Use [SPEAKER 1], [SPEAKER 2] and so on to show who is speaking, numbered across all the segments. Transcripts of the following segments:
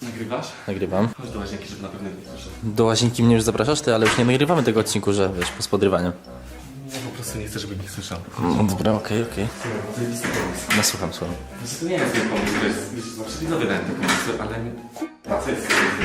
[SPEAKER 1] Nagrywasz?
[SPEAKER 2] Nagrywam.
[SPEAKER 1] Chodź do łazienki, żeby na pewno nie proszę.
[SPEAKER 2] Do łazienki mnie już zapraszasz, ty, ale już nie nagrywamy tego odcinku, że wiesz, po spodrywaniu.
[SPEAKER 1] Ja po prostu nie chcę, żeby nikt słyszał.
[SPEAKER 2] No dobra, okej.
[SPEAKER 1] To jest pomysł.
[SPEAKER 2] No słucham.
[SPEAKER 1] Znaczy, to nie jest mój pomysł, to jest, wiesz, zawsze widzowie dają te pomysły, ale... A co jest?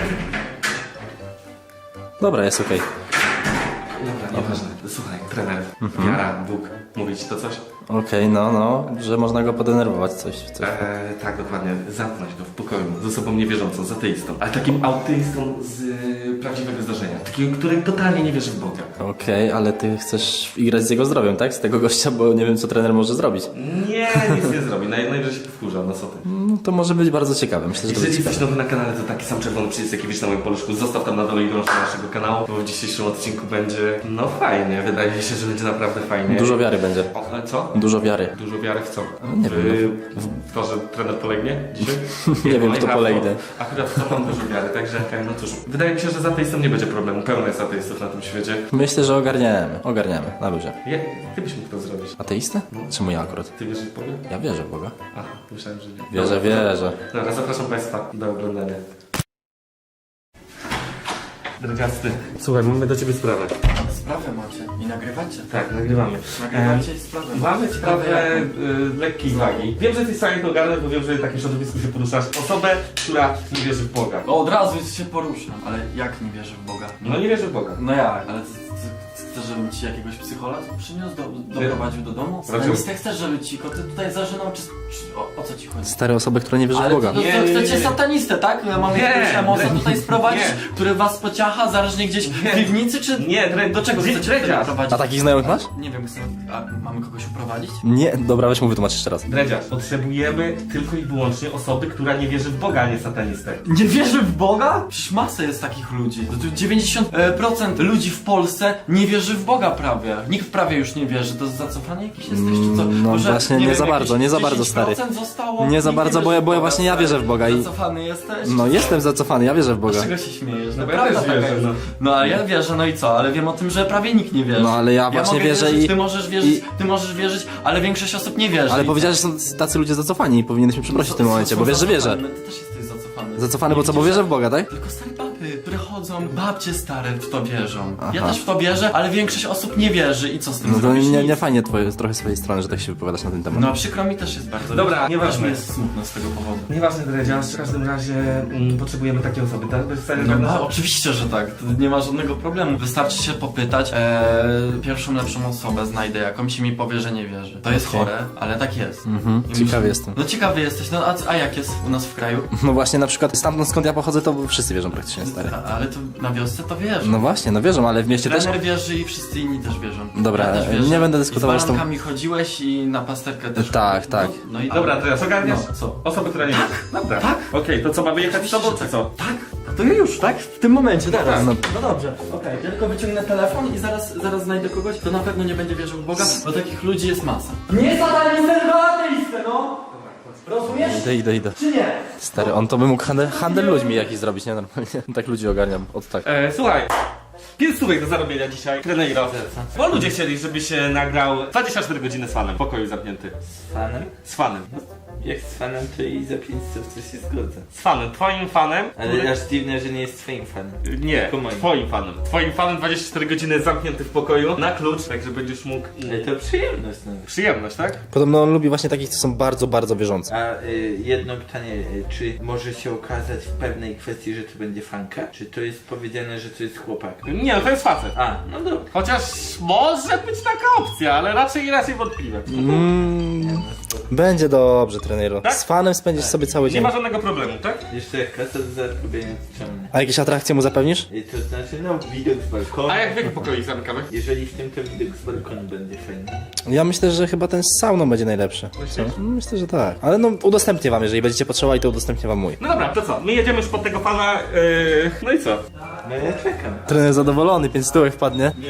[SPEAKER 2] Dobra, jest okej.
[SPEAKER 1] Dobra, nieważne. Słuchaj, trener, wiara, Bóg, mówi ci to coś?
[SPEAKER 2] Okej, no, że można go podenerwować, coś.
[SPEAKER 1] Tak, dokładnie. Zamknąć go w pokoju z osobą niewierzącą, z ateistą. Ale takim ateistą z prawdziwego zdarzenia. Takim, który totalnie nie wierzy w Boga.
[SPEAKER 2] Okej, ale ty chcesz igrać z jego zdrowiem, tak? Z tego gościa, bo nie wiem, co trener może zrobić.
[SPEAKER 1] Nie, nic nie zrobi. Najwyżej się powkurza, no co ty.
[SPEAKER 2] No to może być bardzo ciekawe, myślę, że to
[SPEAKER 1] Jeżeli
[SPEAKER 2] będzie
[SPEAKER 1] jesteś
[SPEAKER 2] ciekawe.
[SPEAKER 1] nowy na kanale, to taki sam czerwony przycisk, jaki widzisz na moim paluszku, zostaw tam na dole i dołącz do naszego kanału, bo w dzisiejszym odcinku będzie, no fajnie, wydaje mi się, że będzie naprawdę fajnie.
[SPEAKER 2] Dużo wiary będzie.
[SPEAKER 1] Co?
[SPEAKER 2] Dużo wiary.
[SPEAKER 1] Dużo wiary w co?
[SPEAKER 2] Nie wiem,
[SPEAKER 1] W to, że trener polegnie dzisiaj?
[SPEAKER 2] Nie wiem, kto polegnie.
[SPEAKER 1] Akurat w to mam dużo wiary, także no cóż. Wydaje mi się, że z ateistą nie będzie problemu. Pełno jest ateistów na tym świecie.
[SPEAKER 2] Myślę, że ogarniemy, na luzie.
[SPEAKER 1] Ty byś mógł to zrobić.
[SPEAKER 2] Ateistę? Czemu ja akurat?
[SPEAKER 1] Ty wierzysz w Boga?
[SPEAKER 2] Ja wierzę w Boga.
[SPEAKER 1] Aha, myślałem, że nie.
[SPEAKER 2] Wierzę.
[SPEAKER 1] Dobra, zapraszam Państwa do oglądania. Drogasty, słuchaj, mamy do Ciebie sprawę.
[SPEAKER 3] Sprawę macie i nagrywacie.
[SPEAKER 1] Tak, nagrywamy.
[SPEAKER 3] Nagrywacie i sprawę.
[SPEAKER 1] Mamy sprawę lekkiej wagi. Wiem, że jesteś w stanie to ogarnąć, bo wiem, że w takim środowisku się poruszasz. Osobę, która nie wierzy w Boga.
[SPEAKER 3] Od razu się poruszam. Ale jak nie wierzę w Boga?
[SPEAKER 1] No nie wierzy w Boga.
[SPEAKER 3] No jak? Ale chcesz, żebym ci jakiegoś psychologa przyniósł, doprowadził do domu?
[SPEAKER 1] Dlaczego?
[SPEAKER 3] Ale nie chcesz, żeby ci koty tutaj zażynał, czy o co ci chodzi?
[SPEAKER 2] Stare osoby, które nie wierzą w
[SPEAKER 3] Ale
[SPEAKER 2] Boga.
[SPEAKER 3] to chcecie satanistę, tak? Ja mam jakiegoś emosa tutaj sprowadzić,
[SPEAKER 1] nie.
[SPEAKER 3] który was pociacha, zarażnie gdzieś w piwnicy, czy... Do czego chcecie tutaj prowadzić?
[SPEAKER 2] A takich znajomych masz?
[SPEAKER 3] Nie wiem, mamy kogoś uprowadzić?
[SPEAKER 2] Nie, dobra, weź mu wytłumacz jeszcze raz.
[SPEAKER 1] Dredziarz, potrzebujemy tylko i wyłącznie osoby, która nie wierzy w Boga, a nie satanistę.
[SPEAKER 3] Nie wierzy w Boga? Przecież masę jest takich ludzi. To tu 90% ludzi w Polsce nie wierzy w Boga prawie. Nikt prawie już nie wierzy. To zacofany jakiś jesteś, czy co?
[SPEAKER 2] No
[SPEAKER 3] Może,
[SPEAKER 2] właśnie, nie
[SPEAKER 3] wiem,
[SPEAKER 2] za bardzo,
[SPEAKER 3] jakieś
[SPEAKER 2] nie za bardzo,
[SPEAKER 3] 10%
[SPEAKER 2] stary.
[SPEAKER 3] Zostało,
[SPEAKER 2] Nie za
[SPEAKER 3] nikt
[SPEAKER 2] bardzo,
[SPEAKER 3] wierzy
[SPEAKER 2] bo ja
[SPEAKER 3] w Boga,
[SPEAKER 2] właśnie ja
[SPEAKER 3] stary.
[SPEAKER 2] wierzę w Boga i...
[SPEAKER 3] Zacofany jesteś?
[SPEAKER 2] No jestem zacofany, ja wierzę w Boga.
[SPEAKER 3] Z czego się śmiejesz?
[SPEAKER 1] No bo ja
[SPEAKER 3] prawda
[SPEAKER 1] też
[SPEAKER 3] taka
[SPEAKER 1] wierzę,
[SPEAKER 3] jest.
[SPEAKER 1] no.
[SPEAKER 3] No ale ja wierzę, no i co? Ale wiem o tym, że prawie nikt nie wierzy.
[SPEAKER 2] No ale ja właśnie
[SPEAKER 3] mogę
[SPEAKER 2] wierzę
[SPEAKER 3] wierzyć,
[SPEAKER 2] i-
[SPEAKER 3] Ty możesz wierzyć, ale większość osób nie wierzy.
[SPEAKER 2] Ale
[SPEAKER 3] I
[SPEAKER 2] powiedziałeś, że są tacy ludzie zacofani i powinieneś mnie przeprosić w tym momencie, bo wiesz, że wierzę.
[SPEAKER 3] Ty też jesteś zacofany.
[SPEAKER 2] Zacofany, bo co, bo wierzę w Boga, tak?
[SPEAKER 3] Tylko stare baby, które chodzą, babcie stare w to wierzą. Ja
[SPEAKER 2] Aha.
[SPEAKER 3] też w to wierzę, ale większość osób nie wierzy i co z tym
[SPEAKER 2] No to
[SPEAKER 3] zrobisz?
[SPEAKER 2] nie
[SPEAKER 3] Nic.
[SPEAKER 2] fajnie trochę swojej strony, że tak się wypowiadasz na ten temat.
[SPEAKER 3] No przykro mi też jest bardzo.
[SPEAKER 1] Dobra,
[SPEAKER 3] też
[SPEAKER 1] nieważne.
[SPEAKER 3] mi jest smutno z tego powodu.
[SPEAKER 1] Nieważne, Dredziarz, w każdym razie potrzebujemy takiej osoby, tak? Bez stanie
[SPEAKER 3] No, oczywiście, że tak. To nie ma żadnego problemu. Wystarczy się popytać. Pierwszą lepszą osobę znajdę jakąś i mi powie, że nie wierzy. To jest
[SPEAKER 2] Okej.
[SPEAKER 3] chore, ale tak jest. I
[SPEAKER 2] Ciekawy jestem.
[SPEAKER 3] No ciekawy jesteś, no a jak jest u nas w kraju?
[SPEAKER 2] No właśnie, na przykład stamtąd skąd ja pochodzę, to wszyscy wierzą praktycznie, stary.
[SPEAKER 3] Ale to na wiosce to wierzą.
[SPEAKER 2] No właśnie, no wierzą, ale w mieście też...
[SPEAKER 3] Trener wierzy i wszyscy inni też wierzą.
[SPEAKER 2] Dobra,
[SPEAKER 3] ja też wierzę.
[SPEAKER 2] nie będę dyskutował
[SPEAKER 3] I
[SPEAKER 2] z
[SPEAKER 3] z
[SPEAKER 2] tą-
[SPEAKER 3] barankami chodziłeś i na pasterkę też.
[SPEAKER 2] Tak, tak.
[SPEAKER 3] No i
[SPEAKER 1] Dobra, teraz ogarniasz?
[SPEAKER 3] No, co?
[SPEAKER 1] Osoby, która nie wierzy. Dobra.
[SPEAKER 3] Tak?
[SPEAKER 1] Okej, to co, mamy jechać z tobą, czy co?
[SPEAKER 3] Tak? To ja już, tak? W tym momencie, teraz.
[SPEAKER 2] No.
[SPEAKER 3] No dobrze, okej. Ja tylko wyciągnę telefon i zaraz znajdę kogoś, kto na pewno nie będzie wierzył w Boga, bo takich ludzi jest masa. Nie satanistę, tylko ateistę, no! Rozumiesz?
[SPEAKER 2] Idę.
[SPEAKER 3] Czy nie?
[SPEAKER 2] Stary, on to by mógł handel ludźmi jakiś zrobić, nie? Normalnie. Tak ludzi ogarniam, od tak.
[SPEAKER 1] Słuchaj. 5 stówek do zarobienia dzisiaj, trenerze. Bo ludzie chcieli, żebyś się nagrał 24 godziny z fanem, w pokoju zamknięty.
[SPEAKER 4] Z fanem?
[SPEAKER 1] Z fanem.
[SPEAKER 4] Jak z fanem, to i za 500 to się zgodzę.
[SPEAKER 1] Z fanem, twoim fanem.
[SPEAKER 4] Ale aż dziwne, że nie jest twoim fanem.
[SPEAKER 1] Nie,
[SPEAKER 4] Tylko moim.
[SPEAKER 1] twoim fanem. Twoim fanem 24 godziny zamknięty w pokoju, na klucz, tak że będziesz mógł...
[SPEAKER 4] Ale to przyjemność nawet.
[SPEAKER 1] Przyjemność, tak?
[SPEAKER 2] Podobno on lubi właśnie takich, co są bardzo, bardzo wierzący.
[SPEAKER 4] A jedno pytanie, czy może się okazać w pewnej kwestii, że to będzie fanka? Czy to jest powiedziane, że to jest chłopak?
[SPEAKER 1] Nie, no to jest facet.
[SPEAKER 4] A, no dobra.
[SPEAKER 1] Chociaż może być taka opcja, ale raczej wątpliwe.
[SPEAKER 2] Będzie dobrze, trenero.
[SPEAKER 1] Tak?
[SPEAKER 2] Z fanem spędzisz sobie cały
[SPEAKER 1] Nie
[SPEAKER 2] dzień.
[SPEAKER 1] ma żadnego problemu, tak?
[SPEAKER 4] Jeszcze jak kasa do zarobienia to czemu nie?
[SPEAKER 2] A jakieś atrakcje mu zapewnisz?
[SPEAKER 4] I to znaczy, no widok z balkonu.
[SPEAKER 1] A jak w jakim pokoju ich zamykamy?
[SPEAKER 4] Jeżeli w tym to widok z balkonu będzie fajny.
[SPEAKER 2] Ja myślę, że chyba ten z sauną będzie najlepszy. Co? Myślę, że tak. Ale no udostępnię wam, jeżeli będziecie potrzebowali, to udostępnię wam mój.
[SPEAKER 1] No dobra, to co? My jedziemy już pod tego pana, no i co?
[SPEAKER 4] No ja czekam.
[SPEAKER 2] Trener zadowolony, 5 stówek wpadnie.
[SPEAKER 3] Nie.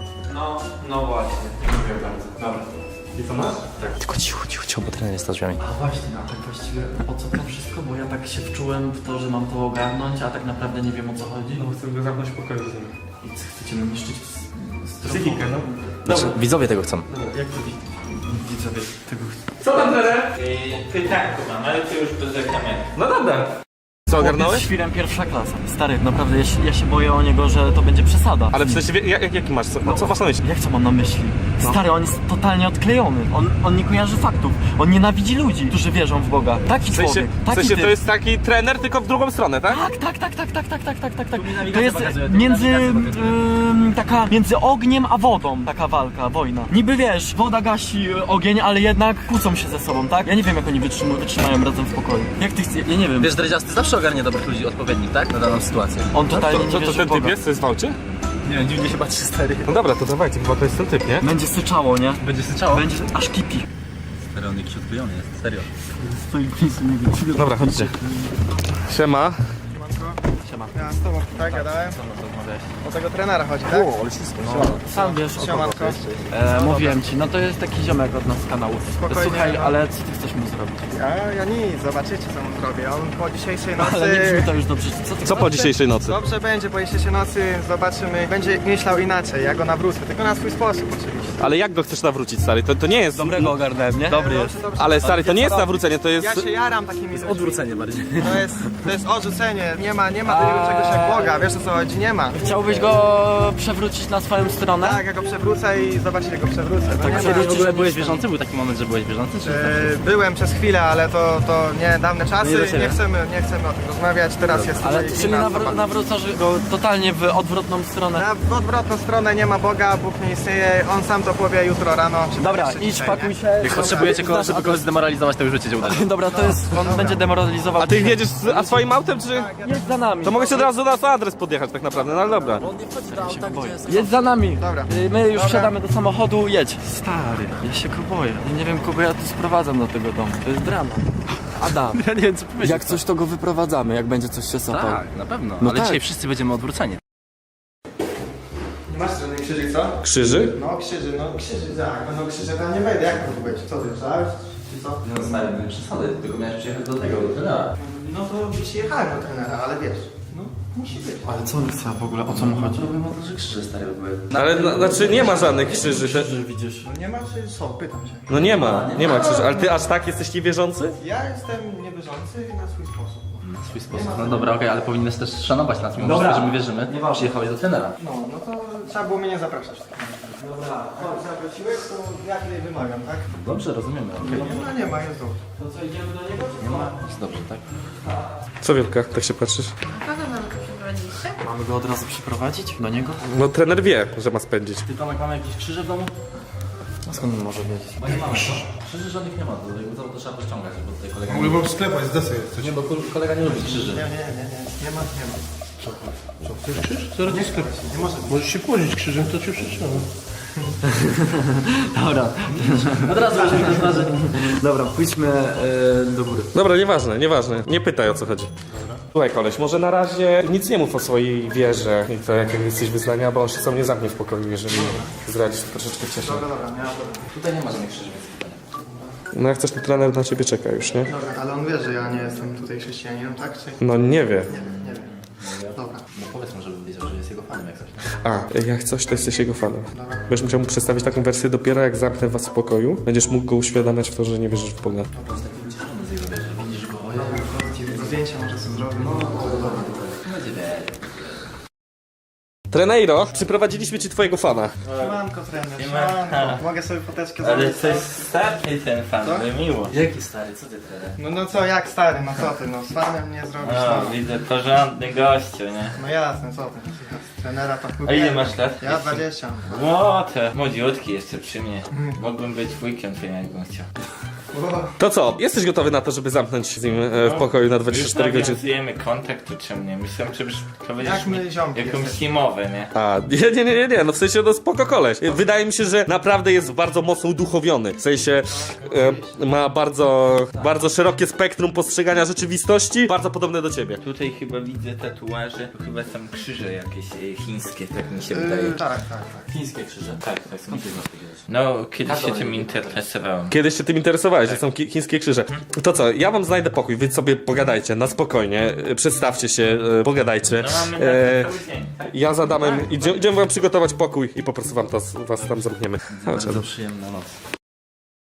[SPEAKER 3] No właśnie. Dziękuję bardzo. Dobra.
[SPEAKER 1] I co masz?
[SPEAKER 2] Tylko cicho, bo trener jest za drzwiami.
[SPEAKER 3] A właśnie, a tak właściwie o co to wszystko? Bo ja tak się wczułem w to, że mam to ogarnąć, a tak naprawdę nie wiem o co chodzi.
[SPEAKER 1] No chcę go zamknąć w pokoju z nim.
[SPEAKER 3] I co, chcecie mnie niszczyć z
[SPEAKER 1] Psychikę, no.
[SPEAKER 2] Znaczy,
[SPEAKER 1] Dobra.
[SPEAKER 2] widzowie tego chcą.
[SPEAKER 3] Jak to widzowie tego
[SPEAKER 1] Co tam, trener?
[SPEAKER 4] Pytanko mam, ale to już bez reklamy.
[SPEAKER 1] No dobra.
[SPEAKER 5] Co, ogarnąłeś?
[SPEAKER 3] Chłopiec świrem pierwsza klasa. Stary, naprawdę, ja się boję o niego, że to będzie przesada.
[SPEAKER 5] Ale w sensie, jaki masz? Co masz na myśli?
[SPEAKER 3] Jak co mam na myśli? Stary, on jest totalnie odklejony. On nie kojarzy faktów. On nienawidzi ludzi, którzy wierzą w Boga. Taki
[SPEAKER 5] W sensie,
[SPEAKER 3] człowiek,
[SPEAKER 5] w
[SPEAKER 3] taki
[SPEAKER 5] sensie
[SPEAKER 3] typ.
[SPEAKER 5] to jest taki trener, tylko w drugą stronę, tak?
[SPEAKER 3] Tak. To jest między ogniem a wodą taka walka, wojna. Niby wiesz, woda gasi ogień, ale jednak kłócą się ze sobą, tak? Ja nie wiem, jak oni wytrzymają razem w pokoju. Jak ty chcesz? Ja nie wiem.
[SPEAKER 6] Wiesz, Dredziasty zawsze ogarnie dobrych ludzi odpowiednich, tak? Na daną sytuację.
[SPEAKER 3] On totalnie nie
[SPEAKER 5] To
[SPEAKER 3] wierzy
[SPEAKER 5] ten
[SPEAKER 3] w Boga.
[SPEAKER 5] typ jest, co jest w aucie?
[SPEAKER 6] Nie wiem, dziwnie się patrzy, stary.
[SPEAKER 5] No dobra, to dawajcie, chyba to jest ten typ, nie?
[SPEAKER 3] Będzie syczało, nie?
[SPEAKER 6] Będzie syczało.
[SPEAKER 3] Będzie aż kipi.
[SPEAKER 6] Stary, on jakiś odklejony jest, serio.
[SPEAKER 3] Stoi pisu, nie wiem.
[SPEAKER 5] Dobra, chodźcie. Siema.
[SPEAKER 7] Ja z tobą tak gadałem. O tego trenera chodzi, tak?
[SPEAKER 3] Sam wiesz, o kogo
[SPEAKER 7] Siemanko.
[SPEAKER 3] to jest. Mówiłem ci, no to jest taki ziomek od nas z kanału.
[SPEAKER 7] Spokojnie,
[SPEAKER 3] Słuchaj,
[SPEAKER 7] no.
[SPEAKER 3] ale co ty chcesz mu zrobić?
[SPEAKER 7] Ja nic, zobaczycie co mu zrobię. On po dzisiejszej
[SPEAKER 3] Ale nie brzmi
[SPEAKER 7] nocy...
[SPEAKER 3] to już dobrze. Co ty
[SPEAKER 5] Co po dzisiejszej nocy?
[SPEAKER 7] Dobrze będzie, po dzisiejszej nocy zobaczymy. Będzie myślał inaczej, ja go nawrócę, tylko na swój sposób oczywiście.
[SPEAKER 5] Ale jak go chcesz nawrócić, stary? To nie jest...
[SPEAKER 3] Dobrego ogarnąłem, nie?
[SPEAKER 5] Dobry jest. Ale stary, to nie jest nawrócenie, to jest...
[SPEAKER 7] Ja się jaram takimi ludźmi.
[SPEAKER 6] Odwrócenie bardziej.
[SPEAKER 7] To jest odrzucenie, nie ma takiego czegoś jak Boga, wiesz o co chodzi, nie ma.
[SPEAKER 3] Chciałbyś go przewrócić na swoją stronę?
[SPEAKER 7] Tak, ja go przewrócę i zobaczycie, go przewrócę. No, nie ma.
[SPEAKER 6] Kiedyś w ogóle byłeś wierzący? Był taki moment, że byłeś wierzący? Czy...
[SPEAKER 7] Byłem przez chwilę, ale to nie dawne czasy,
[SPEAKER 6] Nie do siebie.
[SPEAKER 7] nie chcemy o tym rozmawiać, teraz jest
[SPEAKER 3] Ale
[SPEAKER 7] tutaj
[SPEAKER 3] ty czyli
[SPEAKER 7] inna osoba.
[SPEAKER 3] nawrócasz go totalnie w odwrotną stronę.
[SPEAKER 7] W odwrotną stronę nie ma Boga, Bóg nie istnieje, On sam to powie jutro rano. Czy
[SPEAKER 3] Dobra,
[SPEAKER 7] jeszcze
[SPEAKER 3] idź,
[SPEAKER 7] dzisiaj,
[SPEAKER 3] pakuj
[SPEAKER 7] nie?
[SPEAKER 3] się.
[SPEAKER 6] Jak potrzebujecie kogoś, żeby kogoś zdemoralizować, to już wiecie, gdzie udać.
[SPEAKER 3] Dobra, to jest, on będzie demoralizował.
[SPEAKER 5] A ty jedziesz a swoim autem, czy...
[SPEAKER 3] Jedź za nami.
[SPEAKER 5] To mogę się od razu na adres podjechać tak naprawdę, no ale dobra.
[SPEAKER 3] Jedź za nami.
[SPEAKER 7] Dobra.
[SPEAKER 3] My już wsiadamy do samochodu, jedź. Stary, ja się go boję. Ja nie wiem, kogo ja tu sprowadzam do tego domu. To jest drama. Adam,
[SPEAKER 6] Ja nie wiem, co powiedzieć.
[SPEAKER 3] jak coś, to go wyprowadzamy, jak będzie coś się sapał.
[SPEAKER 6] Tak, na pewno.
[SPEAKER 3] No
[SPEAKER 6] Ale
[SPEAKER 3] tak.
[SPEAKER 6] dzisiaj wszyscy będziemy odwróceni.
[SPEAKER 7] Nie masz żadnych krzyży, co?
[SPEAKER 5] Krzyży?
[SPEAKER 7] No krzyży, tak, no krzyże tam nie wejdę, jak to być? Co ty, myślałeś? Czy co?
[SPEAKER 6] No stary, nie przesady, tylko miałeś przyjechać do tego, do trenera.
[SPEAKER 7] No to przyjechałem do trenera, ale wiesz, no musi być.
[SPEAKER 3] Ale co on chce w ogóle? O co mu chodzi?
[SPEAKER 6] Może krzyże stare były.
[SPEAKER 5] Ale znaczy nie ma żadnych krzyży.
[SPEAKER 3] Że widzisz.
[SPEAKER 7] No nie ma czy są? Pytam się.
[SPEAKER 5] No nie ma krzyży. Ale ty aż tak jesteś niewierzący?
[SPEAKER 7] Ja jestem niewierzący na swój sposób.
[SPEAKER 6] Na swój sposób. No dobra, okej, ale powinieneś też szanować nas, mimo wszystko, że my wierzymy. Przyjechałeś do trenera.
[SPEAKER 7] No to trzeba było mnie nie zapraszać. Dobra, chodź, zaprosiłeś, to ja tutaj wymagam, tak?
[SPEAKER 6] Dobrze, rozumiemy.
[SPEAKER 7] Nie ma, jest dobrze.
[SPEAKER 3] To co, idziemy do niego?
[SPEAKER 6] Nie ma. Jest dobrze, tak?
[SPEAKER 5] Co Wielka, tak się patrzysz?
[SPEAKER 8] Kogo mamy tu przeprowadziliście?
[SPEAKER 3] Mamy go od razu przyprowadzić do niego?
[SPEAKER 5] No trener wie, że ma spędzić.
[SPEAKER 3] Ty Tomek, mamy jakieś krzyże w domu? A skąd on może wiedzieć?
[SPEAKER 6] Bo nie mamy, no. Krzyży żadnych nie ma, to jakby to trzeba pościągać, bo tutaj kolega nie
[SPEAKER 9] Mogę w sklepach z desy jest coś.
[SPEAKER 6] Nie, bo kolega nie lubi krzyży.
[SPEAKER 7] Nie ma.
[SPEAKER 9] Zaraz nie sklep.
[SPEAKER 7] Nie może.
[SPEAKER 9] Możesz się kłonić krzyżem, to cię przeczytam.
[SPEAKER 3] Dobra. Od razu będziemy na twarzy. Dobra, pójdźmy do góry.
[SPEAKER 5] Dobra, nieważne. Nie pytaj o co chodzi. Słuchaj koleś, może na razie nic nie mów o swojej wierze i to jakiego jesteś wyznania, bo on się sam nie zamknie w pokoju, jeżeli zdradzisz, to troszeczkę cieszę.
[SPEAKER 6] Tutaj nie ma żadnych krzyży, więc tutaj nie.
[SPEAKER 5] No jak chcesz, to trener na ciebie czeka już, nie?
[SPEAKER 7] Dobra, ale on wie, że ja nie jestem tutaj chrześcijaninem, tak? Czy...
[SPEAKER 5] No nie wie.
[SPEAKER 7] Nie wiem. Dobra.
[SPEAKER 6] No powiedz mu, żeby wiedział, że jest jego fanem jak coś.
[SPEAKER 5] A, jak coś, to jesteś jego fanem. Będziesz musiał mu przedstawić taką wersję dopiero jak zamknę was w pokoju. Będziesz mógł go uświadamiać w to, że nie wierzysz w Boga.
[SPEAKER 6] Widzisz go,
[SPEAKER 7] Zdjęcia może sobie zrobić. No, dobra.
[SPEAKER 5] Treneiro, przyprowadziliśmy ci twojego fana.
[SPEAKER 7] Siemanko, trener, siemanko. Mogę sobie foteczkę
[SPEAKER 4] Ale
[SPEAKER 7] zrobić?
[SPEAKER 4] to jest starszy ten fan, ale miło.
[SPEAKER 6] Jaki stary, co ty trener?
[SPEAKER 7] No co, jak stary, no co ty, no z fanem nie zrobisz,
[SPEAKER 4] O,
[SPEAKER 7] no.
[SPEAKER 4] widzę porządny gościu, nie?
[SPEAKER 7] No jasne, co ty, z trenera to
[SPEAKER 4] A ile masz lat?
[SPEAKER 7] Ja 20.
[SPEAKER 4] Ło, to młodziutki jeszcze przy mnie. Mógłbym być wujkiem twoim, jakbym chciał.
[SPEAKER 5] To co, jesteś gotowy na to, żeby zamknąć z nim w pokoju na
[SPEAKER 4] Już
[SPEAKER 5] 24 godziny?
[SPEAKER 4] nawiązujemy kontakt, to czym nie? Myślałem, że prowadzisz
[SPEAKER 7] Jak my ziomki
[SPEAKER 4] jakąś
[SPEAKER 7] jesteśmy.
[SPEAKER 4] teamowę, nie?
[SPEAKER 5] A, nie, no w sensie no spoko koleś. Wydaje mi się, że naprawdę jest bardzo mocno uduchowiony. W sensie ma bardzo szerokie spektrum postrzegania rzeczywistości, bardzo podobne do ciebie.
[SPEAKER 4] Tutaj chyba widzę tatuaże, to chyba są krzyże jakieś chińskie, tak mi się wydaje.
[SPEAKER 7] Tak.
[SPEAKER 6] Chińskie krzyże? Tak, skąd ty znasz takie rzeczy?
[SPEAKER 4] No, kiedyś się tym interesowałem.
[SPEAKER 5] Kiedyś się tym interesowałeś, że są chińskie krzyże. To co, ja wam znajdę pokój, wy sobie pogadajcie, na spokojnie, przedstawcie się, pogadajcie.
[SPEAKER 4] No mamy na to cały dzień, tak?
[SPEAKER 5] Ja z Adamem idziemy wam przygotować pokój i po prostu was tam zamkniemy.
[SPEAKER 6] Bardzo przyjemna noc.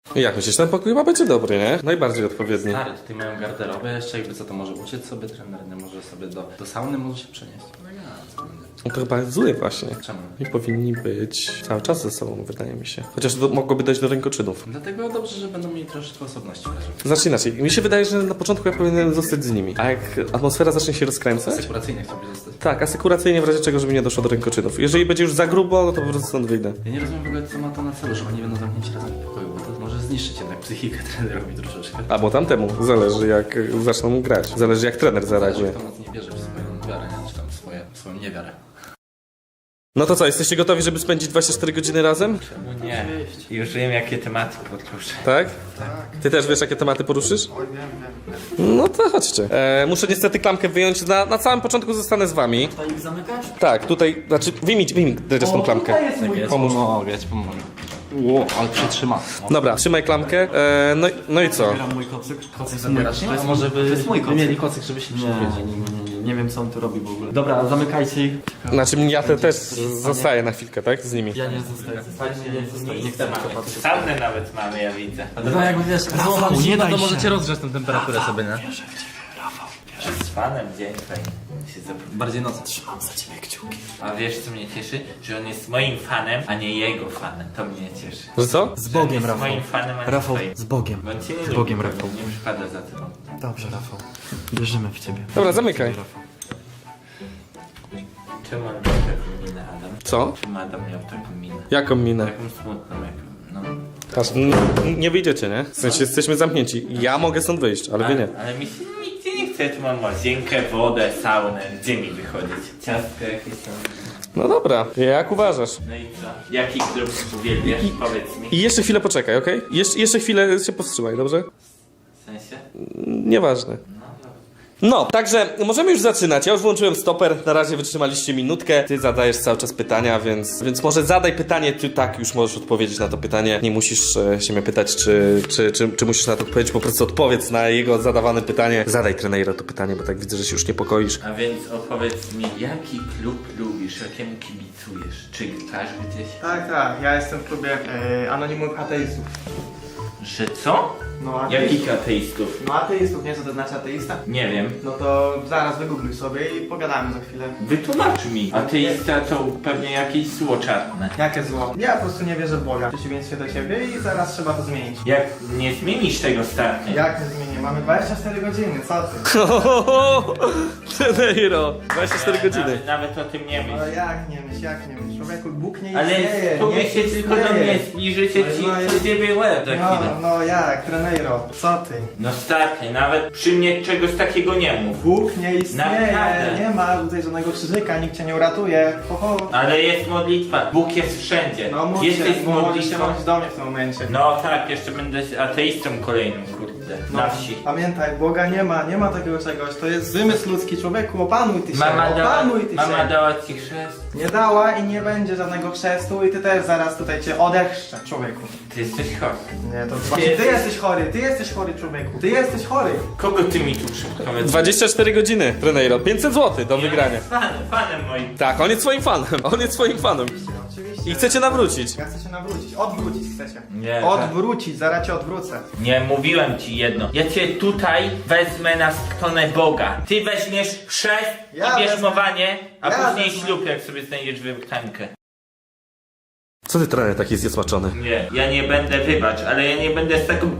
[SPEAKER 5] Jak myślisz, ten pokój chyba będzie dobry, nie? Najbardziej odpowiedni.
[SPEAKER 6] Stary, tutaj mają garderobę jeszcze, jakby co to może uciec sobie trener, nie może sobie do sauny może się przenieść.
[SPEAKER 5] No to chyba jest zły właśnie.
[SPEAKER 6] Czemu?
[SPEAKER 5] I powinni być cały czas ze sobą, wydaje mi się. Chociaż mogłoby dojść do rękoczynów.
[SPEAKER 6] Dlatego dobrze, że będą mieli troszeczkę osobności w razie.
[SPEAKER 5] Zacznij inaczej. Mi się wydaje, że na początku ja powinienem zostać z nimi. A jak atmosfera zacznie się rozkręcać?
[SPEAKER 6] Sekuracyjnie chciałbyś zostać.
[SPEAKER 5] Tak, asekuracyjnie w razie czego, żeby nie doszło do rękoczynów. Jeżeli będzie już za grubo, no to po prostu stąd wyjdę.
[SPEAKER 6] Ja nie rozumiem w ogóle, co ma to na celu, że oni będą zamknięci razem w pokoju, bo to może zniszczyć jednak psychikę trenerowi troszeczkę.
[SPEAKER 5] Albo tamtemu. Zależy jak zaczną grać. Zależy jak trener zareaguje.
[SPEAKER 6] Kto mocniej wierzy w swoją wiarę, nie? Czy tam swoją niewiarę.
[SPEAKER 5] No to co, jesteście gotowi, żeby spędzić 24 godziny razem?
[SPEAKER 4] No nie, już wiem jakie tematy podróży.
[SPEAKER 5] Tak? Ty też wiesz, jakie tematy poruszysz?
[SPEAKER 7] Oj, wiem.
[SPEAKER 5] No to chodźcie. Muszę niestety klamkę wyjąć. Na samym początku zostanę z wami.
[SPEAKER 3] To ich zamykasz?
[SPEAKER 5] Tak, tutaj, znaczy wyjmij tą klamkę.
[SPEAKER 3] Tutaj jest mój
[SPEAKER 5] Pomóż.
[SPEAKER 6] Pomogę, ja ci pomogę. Ło, ale przytrzyma.
[SPEAKER 5] Dobra, trzymaj klamkę. No i co?
[SPEAKER 3] Zabieram mój kocyk. Kocyk
[SPEAKER 6] Zabierasz?
[SPEAKER 3] to
[SPEAKER 6] A
[SPEAKER 3] jest
[SPEAKER 6] może by
[SPEAKER 3] jest mój kocyk.
[SPEAKER 6] mieli kocyk, żeby się
[SPEAKER 3] Nie,
[SPEAKER 6] przewiedzieć.
[SPEAKER 3] nie wiem co on tu robi w ogóle. Dobra, zamykajcie ich.
[SPEAKER 5] Znaczy ja też zostaję na chwilkę, tak? Z nimi.
[SPEAKER 3] Ja nie zostaję. Nie chcę na to patrzeć.
[SPEAKER 4] Saunę nawet mamy, ja widzę.
[SPEAKER 3] Dobra, jakby wiesz, Rafał, nie daj się.
[SPEAKER 6] możecie rozgrzać tę temperaturę sobie, nie?
[SPEAKER 4] Z fanem dzień fajnie się zapomina.
[SPEAKER 3] Bardziej nocy. Trzymam za ciebie kciuki.
[SPEAKER 4] A wiesz co mnie cieszy? Że on jest moim fanem, a nie jego fanem. To mnie cieszy.
[SPEAKER 5] Że co?
[SPEAKER 3] Z
[SPEAKER 4] On
[SPEAKER 3] Bogiem,
[SPEAKER 4] jest
[SPEAKER 3] Rafał.
[SPEAKER 4] moim fanem, a nie
[SPEAKER 3] Rafał,
[SPEAKER 4] twoim.
[SPEAKER 3] z Bogiem.
[SPEAKER 4] Bo on cię nie
[SPEAKER 3] Z
[SPEAKER 4] lubi,
[SPEAKER 3] Bogiem,
[SPEAKER 4] bo
[SPEAKER 3] Rafał.
[SPEAKER 4] Nie przypada za tobą.
[SPEAKER 3] Dobrze, Rafał. Wierzymy w ciebie.
[SPEAKER 5] Dobra, zamykaj.
[SPEAKER 4] Czemu on miał taką minę, Adam?
[SPEAKER 5] Co?
[SPEAKER 4] Czemu Adam miał taką minę?
[SPEAKER 5] Jaką minę?
[SPEAKER 4] Taką smutną, jak... No.
[SPEAKER 5] Patrz, nie wyjdziecie, nie? W sensie jesteśmy zamknięci. Ja mogę stąd wyjść, ale wy nie.
[SPEAKER 4] Ale mi się nigdzie nie chce, ja tu mam łazienkę, wodę, saunę. Gdzie mi wychodzić? Ciastko jakieś tam.
[SPEAKER 5] No dobra, jak uważasz?
[SPEAKER 4] No i co? Jaki klub uwielbiasz? Powiedz mi.
[SPEAKER 5] I jeszcze chwilę poczekaj, okej? Jeszcze chwilę się powstrzymaj, dobrze?
[SPEAKER 4] W sensie?
[SPEAKER 5] Nieważne. No, także możemy już zaczynać. Ja już włączyłem stoper, na razie wytrzymaliście minutkę. Ty zadajesz cały czas pytania, więc może zadaj pytanie, ty tak już możesz odpowiedzieć na to pytanie. Nie musisz się mnie pytać, czy musisz na to odpowiedzieć, po prostu odpowiedz na jego zadawane pytanie. Zadaj trenerze to pytanie, bo tak widzę, że się już niepokoisz.
[SPEAKER 4] A więc opowiedz mi, jaki klub lubisz, jakiemu kibicujesz? Czy grasz gdzieś?
[SPEAKER 7] Tak, ja jestem w klubie anonimowych ateistów.
[SPEAKER 4] Że co?
[SPEAKER 7] No,
[SPEAKER 4] Jakich ateistów?
[SPEAKER 7] No ateistów, nie co to znaczy ateista?
[SPEAKER 4] Nie wiem.
[SPEAKER 7] No to zaraz wygoogluj sobie i pogadamy za chwilę.
[SPEAKER 4] Wytłumacz mi. Ateista to pewnie jakieś zło czarne.
[SPEAKER 7] Jakie zło? Ja po prostu nie wierzę w Boga. W przeciwieństwie do ciebie i zaraz trzeba to zmienić.
[SPEAKER 4] Jak nie zmienisz tego starnie?
[SPEAKER 7] Jak nie zmienię? Mamy 24 godziny, co ty?
[SPEAKER 5] Treneiro, 24 godziny.
[SPEAKER 4] Nawet o tym nie myśl.
[SPEAKER 7] Ale jak nie myśl? Człowieku, Bóg nie
[SPEAKER 4] Ale
[SPEAKER 7] istnieje.
[SPEAKER 4] spróbuj się tylko do mnie zbliżyć, ja
[SPEAKER 7] No,
[SPEAKER 4] ci ciebie łeb za chwilę.
[SPEAKER 7] No jak, trenero, co ty?
[SPEAKER 4] No starnie, nawet przy mnie czegoś takiego nie mów.
[SPEAKER 7] Bóg nie istnieje,
[SPEAKER 4] Naprawdę.
[SPEAKER 7] nie ma tutaj żadnego krzyżyka, nikt cię nie uratuje. Ho, ho.
[SPEAKER 4] Ale jest modlitwa. Bóg jest wszędzie.
[SPEAKER 7] No mów
[SPEAKER 4] Jesteś
[SPEAKER 7] się,
[SPEAKER 4] z
[SPEAKER 7] bo możesz się
[SPEAKER 4] modlitwą.
[SPEAKER 7] modlić do mnie w tym momencie.
[SPEAKER 4] No tak, jeszcze będę ateistą kolejnym, kurde. Na wsi.
[SPEAKER 7] Pamiętaj, Boga nie ma takiego czegoś, to jest wymysł ludzki, człowieku, opanuj ty się,
[SPEAKER 4] Mama
[SPEAKER 7] się.
[SPEAKER 4] dała ci chrzest.
[SPEAKER 7] Nie dała i nie będzie żadnego chrztu i ty też zaraz tutaj cię odechrzczę, człowieku.
[SPEAKER 4] Ty jesteś chory.
[SPEAKER 7] Nie, to właśnie ty jesteś chory, człowieku, ty jesteś chory.
[SPEAKER 4] Kogo ty mi tu przypowiedz?
[SPEAKER 5] 24 godziny, treneiro. 500 zł do wygrania.
[SPEAKER 4] Fanem moim.
[SPEAKER 5] Tak, on jest swoim fanem. On jest swoim fanem.
[SPEAKER 7] Oczywiście.
[SPEAKER 5] I chcecie nawrócić.
[SPEAKER 7] Ja chcę się nawrócić, odwrócić chcecie.
[SPEAKER 4] Nie,
[SPEAKER 7] Odwrócić, zaraz cię odwrócę.
[SPEAKER 4] Nie, mówiłem ci jedno. Ja cię tutaj wezmę na stronę Boga. Ty weźmiesz chrzest
[SPEAKER 7] Ja
[SPEAKER 4] i bierzmowanie, a
[SPEAKER 7] Ja
[SPEAKER 4] później
[SPEAKER 7] wezmę.
[SPEAKER 4] ślub, jak sobie znajdziesz wybrtankę.
[SPEAKER 5] Co ty, trener, taki jest zniesmaczony?
[SPEAKER 4] Nie, ja nie będę, wybacz, ale ja nie będę z taką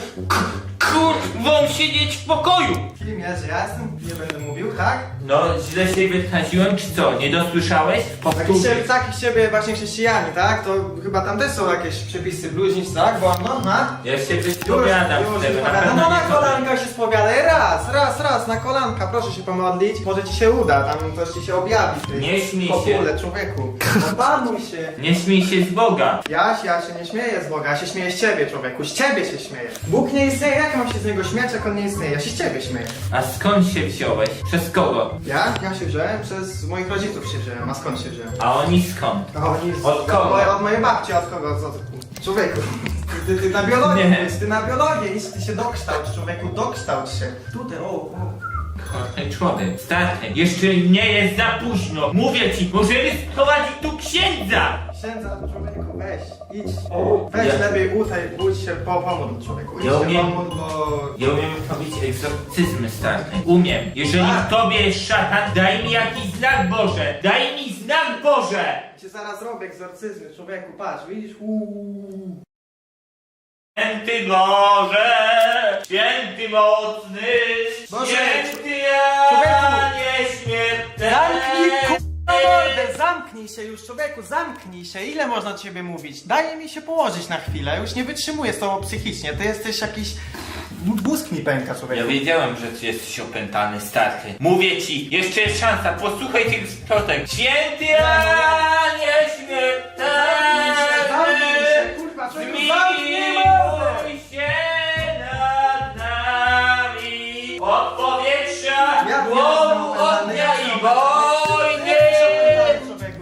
[SPEAKER 4] kurwą siedzieć w pokoju.
[SPEAKER 7] Kim jest, że ja jestem? Nie będę mówił, tak?
[SPEAKER 4] No, źle się wyraziłem, czy co? Nie dosłyszałeś?
[SPEAKER 7] Taki z ciebie właśnie chrześcijanie, tak? To chyba tam też są jakieś przepisy bluźnic, tak? Bo no,
[SPEAKER 4] Ja się wyspowiadam z tego, na pewno
[SPEAKER 7] no na
[SPEAKER 4] nie
[SPEAKER 7] kolanka się spowiadaj, raz, na kolanka, proszę się pomodlić, może ci się uda, tam coś ci się objawi. w tej
[SPEAKER 4] Nie śmiej
[SPEAKER 7] popule, człowieku, opanuj się.
[SPEAKER 4] Nie śmiej się z Boga.
[SPEAKER 7] Ja się nie śmieję z Boga, ja się śmieję z ciebie, człowieku, z ciebie się śmieję. Bóg nie istnieje, jak mam się z niego śmiać, jak on nie istnieje? Ja się z ciebie śmieję.
[SPEAKER 4] A skąd się wziąłeś? Przez kogo?
[SPEAKER 7] Ja się wziąłem, przez moich rodziców się wziąłem, a skąd się wziąłem?
[SPEAKER 4] A oni skąd?
[SPEAKER 7] A oni
[SPEAKER 4] Od kogo?
[SPEAKER 7] Od mojej babci, od kogo? Człowieku, ty na biologię
[SPEAKER 4] Nie.
[SPEAKER 7] idź, ty na biologię idź, ty się dokształć, człowieku, dokształć się. Tutaj, o.
[SPEAKER 4] Chory człowiek, starny, jeszcze nie jest za późno. Mówię ci, możemy sprowadzić tu księdza.
[SPEAKER 7] Księdza, człowieku, weź, idź. Weź lepiej budź się, pomódl człowieku. Idź
[SPEAKER 4] Ja
[SPEAKER 7] się
[SPEAKER 4] umiem.
[SPEAKER 7] pomódl, bo...
[SPEAKER 4] Ja umiem robić egzorcyzmy stary. Umiem. Jeżeli w tobie jest szatan, daj mi jakiś znak Boże. Daj mi znak Boże.
[SPEAKER 7] Cię zaraz robię egzorcyzmy, człowieku, patrz, widzisz?
[SPEAKER 4] Święty Boże, święty mocny,
[SPEAKER 7] Boże,
[SPEAKER 4] święty Janie śmiertelny.
[SPEAKER 7] Zamknij się już, człowieku, zamknij się. Ile można do ciebie mówić? Daj mi się położyć na chwilę, już nie wytrzymuję z tobą psychicznie. Ty jesteś jakiś... Mózg mi pęka,
[SPEAKER 4] Ja
[SPEAKER 7] człowieku.
[SPEAKER 4] wiedziałem, że ty jesteś opętany, stary. Mówię ci, jeszcze jest szansa, posłuchaj tych splotek. Święty Janie śmiertelny,
[SPEAKER 7] Zamknij się, kurwa, człowieku, zamknij mordę!
[SPEAKER 4] zmiłuj się nad nami. Od powietrza,
[SPEAKER 7] Ja
[SPEAKER 4] głowu,
[SPEAKER 7] pierdolę,
[SPEAKER 4] ognia
[SPEAKER 7] ja
[SPEAKER 4] i wojny.
[SPEAKER 7] Człowieku,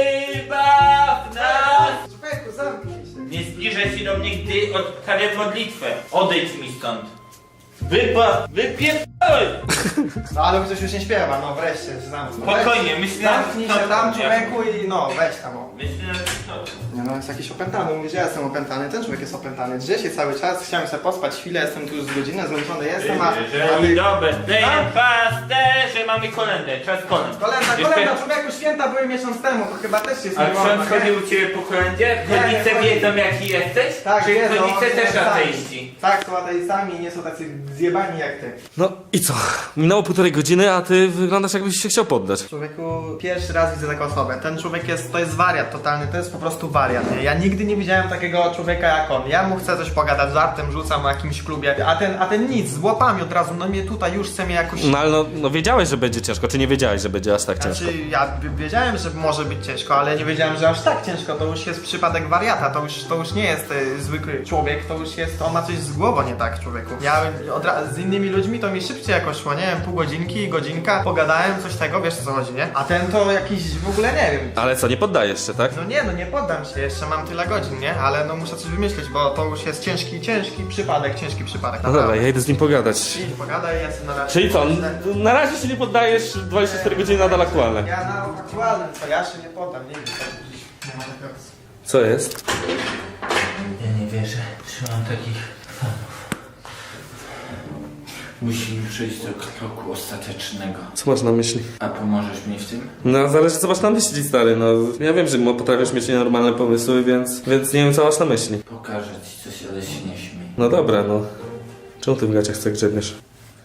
[SPEAKER 4] Wybaw nas.
[SPEAKER 7] człowieku, zamknij się.
[SPEAKER 4] Nie zbliżaj się do mnie, gdy odprawiam modlitwę. Odejdź mi stąd. Wypierdolaj!
[SPEAKER 7] No ale ktoś już nie śpiewa, no wreszcie, zamknij.
[SPEAKER 4] Spokojnie, myślałem,
[SPEAKER 7] Zamknij
[SPEAKER 4] że
[SPEAKER 7] się
[SPEAKER 4] to-
[SPEAKER 7] tam, człowieku, i no, weź tam, o.
[SPEAKER 4] Myślałem, że to...
[SPEAKER 7] Nie no, jest jakiś opętany, mówisz, że ja jestem opętany, ten człowiek jest opętany. Drze się cały czas, chciałem sobie pospać chwilę, jestem tu już z godzinę, zmęczony jestem, a ty...
[SPEAKER 4] Dobre, pasterze, mamy kolędę, czas kolęd.
[SPEAKER 7] Kolenda, człowieku, święta były miesiąc temu, to chyba też jest
[SPEAKER 4] A
[SPEAKER 7] nie wolno,
[SPEAKER 4] ksiądz
[SPEAKER 7] nie?
[SPEAKER 4] chodził u ciebie po kolędzie?
[SPEAKER 7] Nie,
[SPEAKER 4] Rodzice
[SPEAKER 7] nie
[SPEAKER 4] wiedzą jaki jesteś?
[SPEAKER 7] Tak,
[SPEAKER 4] Czy
[SPEAKER 7] wiedzą,
[SPEAKER 4] rodzice
[SPEAKER 7] oni
[SPEAKER 4] też
[SPEAKER 7] są
[SPEAKER 4] ateiści?
[SPEAKER 7] Tak, są ateistami i nie są tacy zjebani jak ty.
[SPEAKER 5] No i co? Minęło 1,5 godziny, a ty wyglądasz jakbyś się chciał poddać.
[SPEAKER 7] Człowieku, pierwszy raz widzę taką osobę. Ten człowiek to jest wariat totalny, to jest po prostu wariat. Nie? Ja nigdy nie widziałem takiego człowieka jak on. Ja mu chcę coś pogadać, żartem rzucam o jakimś klubie, a ten nic, z łapami od razu, no mnie tutaj już chce mnie jakoś...
[SPEAKER 5] No ale no wiedziałeś, że będzie ciężko, czy nie wiedziałeś, że będzie aż tak ciężko?
[SPEAKER 7] Znaczy, ja wiedziałem, że może być ciężko, ale nie wiedziałem, że aż tak ciężko. To już jest przypadek wariata, to już nie jest zwykły człowiek, to już jest, on ma coś z głową nie tak, człowieku. Ja z innymi ludźmi to mi szybciej jakoś szło, nie wiem, pół godzinki, godzinka, pogadałem, coś tego, wiesz o co chodzi, nie? A ten to jakiś w ogóle nie wiem.
[SPEAKER 5] Ale co, nie poddajesz się, tak?
[SPEAKER 7] No nie poddam się, jeszcze mam tyle godzin, nie? Ale no muszę coś wymyślić, bo to już jest ciężki przypadek,
[SPEAKER 5] No dobra, ja idę z nim pogadać.
[SPEAKER 7] Idź, pogadaj, ja sobie na razie...
[SPEAKER 5] Czyli co, na razie się nie poddajesz, 24 godziny nadal aktualne.
[SPEAKER 7] Ja na aktualnym, co ja się nie poddam, nie wiem, nie ma takiego...
[SPEAKER 5] Co jest?
[SPEAKER 4] Ja nie wierzę, że mam takich fanów. Musimy przejść do kroku ostatecznego.
[SPEAKER 5] Co masz na myśli?
[SPEAKER 4] A pomożesz mi w tym?
[SPEAKER 5] No zależy co masz na myśli, stary, no ja wiem, że potrafisz mieć nienormalne pomysły, więc nie wiem co masz na myśli.
[SPEAKER 4] Pokażę ci coś, ale się nie śmiej.
[SPEAKER 5] No dobra, no. Czemu ty w gaciach tak grzebiesz?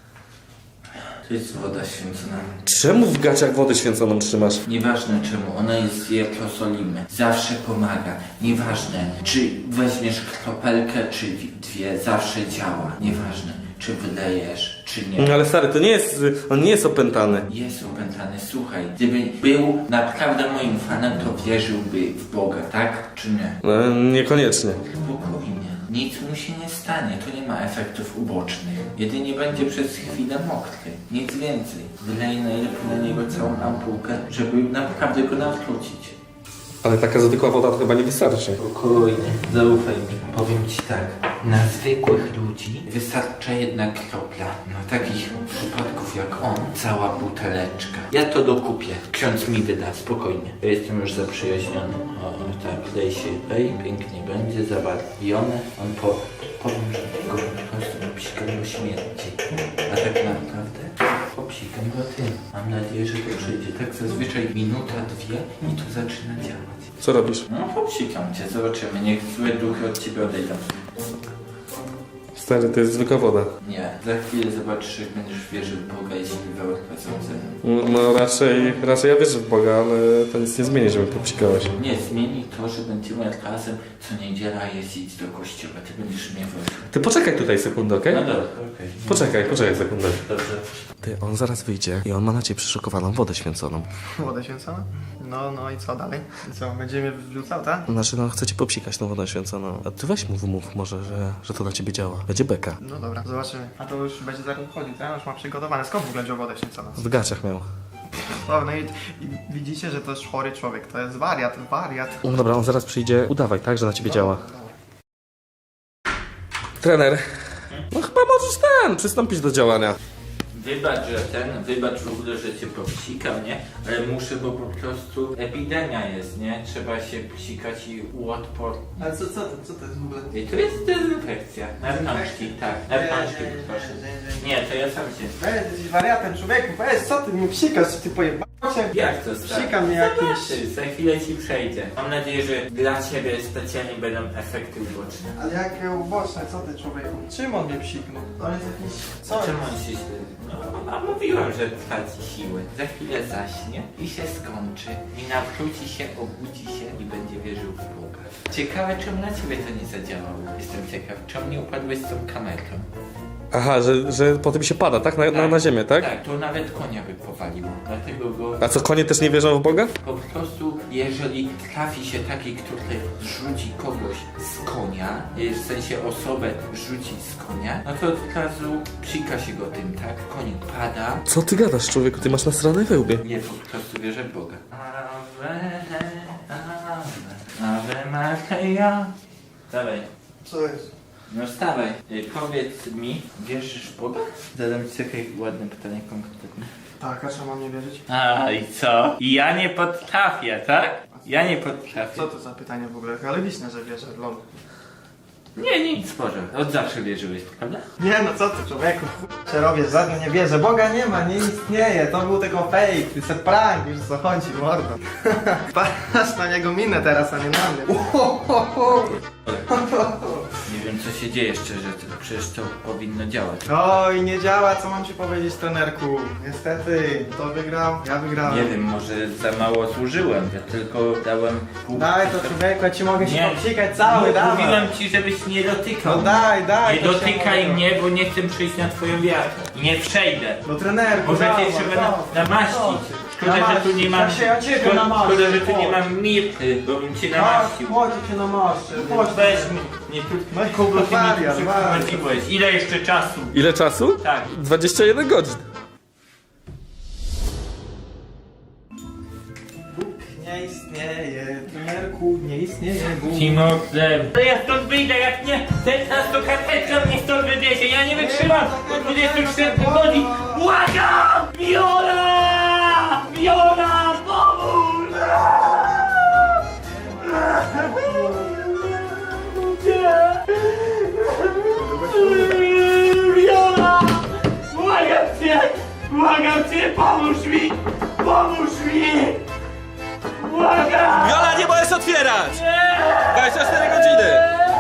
[SPEAKER 4] To jest woda święcona.
[SPEAKER 5] Czemu w gaciach wodę święconą trzymasz?
[SPEAKER 4] Nieważne czemu, ona jest z Jerozolimę. Zawsze pomaga. Nieważne, czy weźmiesz kropelkę, czy dwie, zawsze działa. Nieważne, czy wylejesz, czy nie.
[SPEAKER 5] No ale stary, to nie jest, on nie jest opętany.
[SPEAKER 4] Jest opętany, słuchaj. Gdyby był naprawdę moim fanem, to wierzyłby w Boga, tak? Czy nie?
[SPEAKER 5] No, niekoniecznie.
[SPEAKER 4] Spokojnie. Nic mu się nie stanie, to nie ma efektów ubocznych. Jedynie będzie przez chwilę mokry. Nic więcej. Wyleję najlepiej na niego całą ampułkę, żeby naprawdę go nawrócić.
[SPEAKER 5] Ale taka zwykła woda to chyba nie wystarczy.
[SPEAKER 4] Spokojnie, zaufaj mi. Powiem ci tak, na zwykłych ludzi wystarcza jedna kropla. Na takich przypadków jak on, cała buteleczka. Ja to dokupię. Ksiądz mi wyda, spokojnie. Ja jestem już zaprzyjaźniony. O, tak, lej się, lej, pięknie będzie, zabarwione. On powiem, że go po prostu popsikam do śmierci. A tak naprawdę popsikam go tym. Mam nadzieję, że to przyjdzie. Tak zazwyczaj minuta, dwie i to zaczyna działać.
[SPEAKER 5] Co robisz?
[SPEAKER 4] No popsikam cię, zobaczymy. Niech złe duchy od ciebie odejdą.
[SPEAKER 5] Stary, to jest zwykła woda.
[SPEAKER 4] Nie, za chwilę zobaczysz, jak będziesz wierzył w Boga i śliwe odchodzą.
[SPEAKER 5] No raczej ja wierzę w Boga, ale to nic nie zmieni, żeby popsikałeś.
[SPEAKER 4] Nie, zmieni to, że będziemy razem co niedziela jeździć do kościoła. Ty będziesz mnie woził.
[SPEAKER 5] Ty poczekaj tutaj sekundę, okej?
[SPEAKER 4] No dobra, okej.
[SPEAKER 5] Poczekaj sekundę.
[SPEAKER 4] Dobrze.
[SPEAKER 5] Ty, on zaraz wyjdzie i on ma na ciebie przyszykowaną wodę święconą.
[SPEAKER 7] Wodę święconą? No i co dalej? I co, będzie mnie wrzucał, tak?
[SPEAKER 5] Znaczy, no chce ci popsikać tą wodę święconą. A ty weź mu wymów może, że to na ciebie działa. Będzie beka.
[SPEAKER 7] No dobra, zobaczymy. A to już będzie zaraz chodzić, tak? Już ma przygotowane. Skąd w ogóle wziął wodę święconą?
[SPEAKER 5] W gaciach miał.
[SPEAKER 7] No i widzicie, że to jest chory człowiek, to jest wariat.
[SPEAKER 5] No dobra, on zaraz przyjdzie. Udawaj, tak, że na ciebie działa. Trener. No chyba możesz przystąpić do działania.
[SPEAKER 4] wybacz w ogóle, że cię popsikam, nie? Ale muszę, bo po prostu epidemia jest, nie? Trzeba się psikać i uodpornić.
[SPEAKER 7] Ale co to jest w ogóle?
[SPEAKER 4] I to jest dezynfekcja. Na rączki, tak. Na rączki, proszę. Nie, to ja sam się...
[SPEAKER 7] Weź, jesteś wariatem, człowieku, weź, co ty mnie psikasz, ty pojebałeś?
[SPEAKER 4] Jak to stary?
[SPEAKER 7] Psika mnie jakieś...
[SPEAKER 4] Zobaczysz, za chwilę ci przejdzie. Mam nadzieję, że dla ciebie specjalnie będą efekty uboczne.
[SPEAKER 7] Ale jakie uboczne, co ty, człowieku? Czym on mnie psiknął? To jest jakiś... Co?
[SPEAKER 4] Czemu on się... No, a mówiłam, że traci siły. Za chwilę zaśnie i się skończy. I nawróci się, obudzi się i będzie wierzył w Boga. Ciekawe, czemu na ciebie to nie zadziałało. Jestem ciekaw, czemu nie upadłeś z tą kamerką.
[SPEAKER 5] Aha, że potem się pada, tak? Na ziemię, tak?
[SPEAKER 4] Tak, to nawet konia by powaliło. Dlatego go...
[SPEAKER 5] A co, konie też nie wierzą w Boga?
[SPEAKER 4] Po prostu, jeżeli trafi się taki, który rzuci kogoś z konia, w sensie osobę rzuci z konia, no to od razu psika się go tym, tak? Koń pada.
[SPEAKER 5] Co ty gadasz, człowieku? Ty masz nasrane we łbie.
[SPEAKER 4] Nie, po prostu wierzę w Boga. Ave Maria. Dawaj.
[SPEAKER 7] Co jest?
[SPEAKER 4] No wstawaj. Powiedz mi, wierzysz w Boga? Zadam ci takie ładne pytanie konkretne.
[SPEAKER 7] Tak, a czemu mam nie wierzyć?
[SPEAKER 4] A i co? I ja nie potrafię, tak? Ja nie potrafię.
[SPEAKER 7] Co to za pytanie w ogóle? Ale liczne, że wierzę, lol.
[SPEAKER 4] Nie, nic, Boże. Od zawsze wierzyłeś, prawda?
[SPEAKER 7] Nie no, co ty, człowieku? Się robię, żadne nie wierzę. Boga nie ma, nie istnieje. To był tylko fake, to jest prank, już co chodzi, mordo. Patrz na niego minę teraz, a nie na mnie.
[SPEAKER 4] Nie wiem, co się dzieje szczerze, przecież to powinno działać.
[SPEAKER 7] Oj, nie działa, co mam ci powiedzieć, trenerku? Niestety, to wygrał, ja wygrałem.
[SPEAKER 4] Nie wiem, może za mało służyłem. Ja tylko dałem pół...
[SPEAKER 7] Daj to, człowieku, ja ci mogę się
[SPEAKER 4] Nie.
[SPEAKER 7] popsikać cały, dawaj.
[SPEAKER 4] Mówiłem ci, żebyś nie dotykał.
[SPEAKER 7] No daj,
[SPEAKER 4] Nie
[SPEAKER 7] to się
[SPEAKER 4] dotykaj
[SPEAKER 7] mogę.
[SPEAKER 4] mnie, bo nie chcę przyjść na twoją wiarę. I nie przejdę.
[SPEAKER 7] No trenerku,
[SPEAKER 4] Może
[SPEAKER 7] dawaj,
[SPEAKER 4] cię trzeba
[SPEAKER 7] dawaj.
[SPEAKER 4] namaścić. Szkoda, że
[SPEAKER 7] Namaścić.
[SPEAKER 4] tu nie mam...
[SPEAKER 7] Ja się ja ciebie namaszczę,
[SPEAKER 4] Szkoda, że tu nie
[SPEAKER 7] chodź.
[SPEAKER 4] mam mirty, bo bym cię
[SPEAKER 7] Tak,
[SPEAKER 4] namaścił.
[SPEAKER 7] chodź, cię namaszczę, chodź.
[SPEAKER 4] Weź mi, nie tu...
[SPEAKER 7] No i
[SPEAKER 4] Kogo ty mi
[SPEAKER 7] wariat,
[SPEAKER 4] tu
[SPEAKER 7] wariat.
[SPEAKER 4] przyprowadziłeś? Ile jeszcze czasu?
[SPEAKER 5] Ile czasu?
[SPEAKER 4] Tak.
[SPEAKER 5] 21 godzin.
[SPEAKER 7] Bóg nie istnieje, trenerku, nie istnieje Bóg.
[SPEAKER 4] Timoflem. To ja stąd wyjdę, jak nie, ten nas to karteczka mnie stąd wywiezie, ja nie wytrzymam po 24 godzin. Błagam! Viola! Viola, pomóż! Viola! Błagam cię, pomóż mi! Pomóż mi! Błagam!
[SPEAKER 5] Viola, nie możesz otwierać! 24 godziny!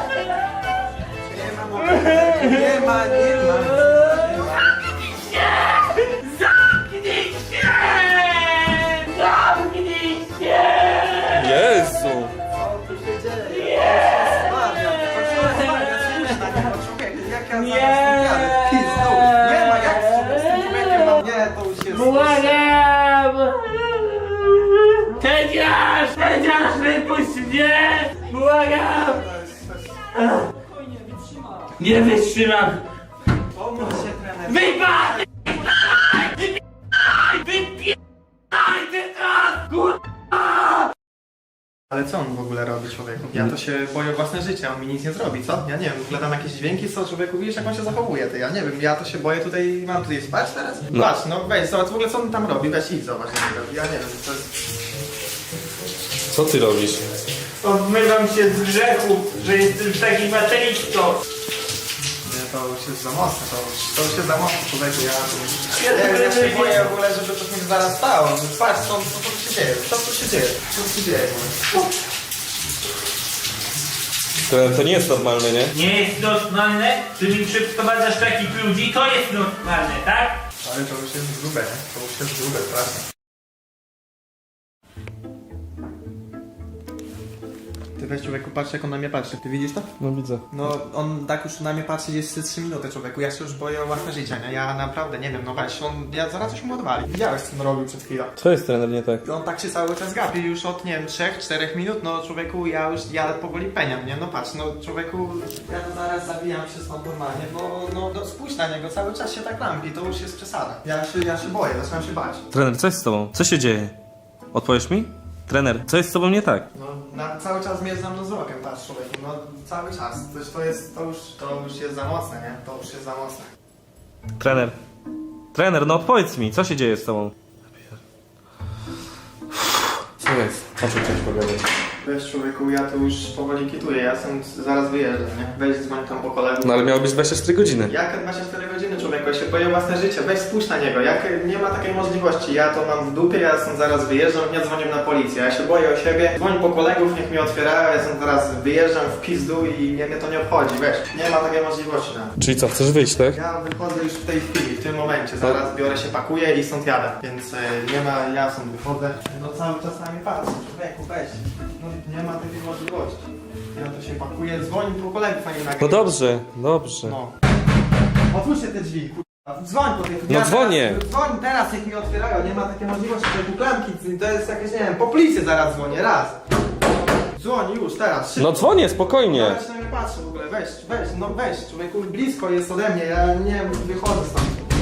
[SPEAKER 7] Nie ma.
[SPEAKER 4] Zamknij się! Zamknij się!
[SPEAKER 5] Jezu!
[SPEAKER 7] Co tu się dzieje? Nie ma jak z tym człowiekiem, no nie, to już jest...
[SPEAKER 4] Błagam! Tedziarz, wypuść mnie! Błagam! Nie wytrzymam!
[SPEAKER 7] Pomóż się, trener.
[SPEAKER 4] Wypad! Wypieraj teraz! Kurwa!
[SPEAKER 7] Ale co on w ogóle robi, człowieku? Ja to się boję o własne życie, on mi nic nie zrobi, co? Ja nie wiem, w ogóle tam jakieś dźwięki są, człowieku, widzisz jak on się zachowuje, ty, ja nie wiem, ja to się boję tutaj, mam tutaj spać teraz?
[SPEAKER 5] No.
[SPEAKER 7] Patrz, no weź, zobacz w ogóle co on tam robi, weź idź, zobacz co on robi, ja nie wiem, to jest...
[SPEAKER 5] Co ty robisz?
[SPEAKER 4] Odmywam się z grzechu, że jestem taki materialistą.
[SPEAKER 7] Nie, to już jest za mocne, to już jest za mocne, człowieku, ja się boję w ogóle, żeby to się zaraz stało, patrz, co tu się dzieje, co tu się dzieje, co tu się dzieje w ogóle?
[SPEAKER 5] To nie jest normalne, nie?
[SPEAKER 4] Nie jest normalne, że mi przyprowadzasz takich ludzi, to jest normalne, tak?
[SPEAKER 7] Ale to już jest grube, nie? To już jest grube, strasznie. Ty weź człowieku, patrz jak on na mnie patrzy. Ty widzisz to?
[SPEAKER 5] No widzę.
[SPEAKER 7] No on tak już na mnie patrzy jest 3 minuty człowieku. Ja się już boję o własne życie, nie? Ja naprawdę nie wiem, no weź, ja zaraz coś mu odwali. Widziałeś co on robił przed chwilą.
[SPEAKER 5] Co jest trener nie tak?
[SPEAKER 7] On tak się cały czas gapi już od, nie wiem, 3-4 minut, no człowieku, ja powoli peniam, nie? No patrz, no człowieku, ja to zaraz zabijam się stąd normalnie, bo no spójrz na niego, cały czas się tak lampi, to już jest przesada. Ja się boję, zaczynam się bać.
[SPEAKER 5] Trener, co jest z tobą? Co się dzieje? Odpowiesz mi? Trener, co jest z tobą nie tak?
[SPEAKER 7] No, cały czas mnie za mną wzrokiem, patrz człowieku, no cały czas. To już jest za mocne, nie? To już jest za mocne.
[SPEAKER 5] Trener, Trener, no odpowiedz mi, co się dzieje z tobą? Co jest? O czym chciałeś pogadać?
[SPEAKER 7] Weź człowieku, ja tu już powoli kituję, ja stąd zaraz wyjeżdżam, nie? Weź dzwoń tam po kolegów.
[SPEAKER 5] No ale miało być 24 godziny.
[SPEAKER 7] Jak 24 godziny człowieku, ja się boję własne życie, weź spójrz na niego, jak nie ma takiej możliwości, ja to mam w dupie, ja stąd zaraz wyjeżdżam, nie dzwonię na policję, ja się boję o siebie, dzwoń po kolegów, niech mi otwierają, ja stąd zaraz wyjeżdżam w pizdu i mnie to nie obchodzi, weź, nie ma takiej możliwości tam.
[SPEAKER 5] Czyli co, chcesz wyjść, tak?
[SPEAKER 7] Ja wychodzę już w tej chwili, w tym momencie, zaraz biorę się, pakuję i stąd jadę, więc nie ma, ja stąd wychodzę, no cały czas na mnie patrzę, człowieku, weź, no nie ma takiej możliwości. Ja to się pakuję, dzwoń po kolegów, a nie nagrywa.
[SPEAKER 5] No dobrze, dobrze.
[SPEAKER 7] No. Otwórzcie te drzwi, kurwa. Dzwoń po tych...
[SPEAKER 5] No dzwonię.
[SPEAKER 7] Dzwoń teraz, jak mi otwierają, nie ma takiej możliwości, te klamki, to jest jakieś, nie wiem, po policję zaraz dzwonię, raz. Dzwoń już, teraz, szybko.
[SPEAKER 5] No dzwonię, spokojnie.
[SPEAKER 7] Ja się na mnie patrzę w ogóle, weź, no weź, człowieku, blisko jest ode mnie, ja nie wychodzę stąd.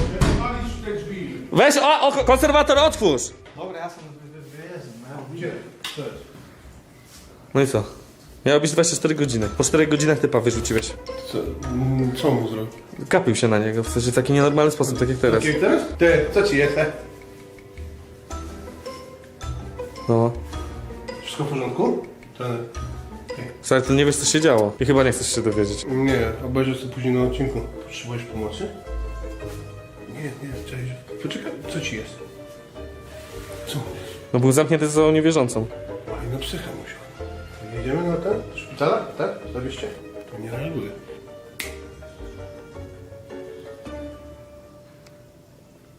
[SPEAKER 5] Weź, konserwator, otwórz!
[SPEAKER 7] Dobra, ja stąd wyjeżdżam, no.
[SPEAKER 9] Gdzie? Co jest?
[SPEAKER 5] No i co? Miało być 24 godziny. Po 4 godzinach typa wyrzuciłeś.
[SPEAKER 9] Co mu zrobił?
[SPEAKER 5] Kapił się na niego, w sensie w taki nienormalny sposób, tak jak teraz.
[SPEAKER 9] Jak teraz? Ty, co ci jest?
[SPEAKER 5] No.
[SPEAKER 9] Wszystko w porządku? Trener.
[SPEAKER 5] Słuchaj, to nie wiesz co się działo. I chyba nie chcesz się dowiedzieć.
[SPEAKER 9] Nie, obejrzę sobie później na odcinku. Potrzebujesz pomocy? Nie, cześć. Poczekaj, co ci jest? Co mu jest?
[SPEAKER 5] No był zamknięty za niewierzącą.
[SPEAKER 9] Oj, no psycha musiał. Jedziemy na ten? Do szpitala? Tak? Zawieźcie? To nie reaguje.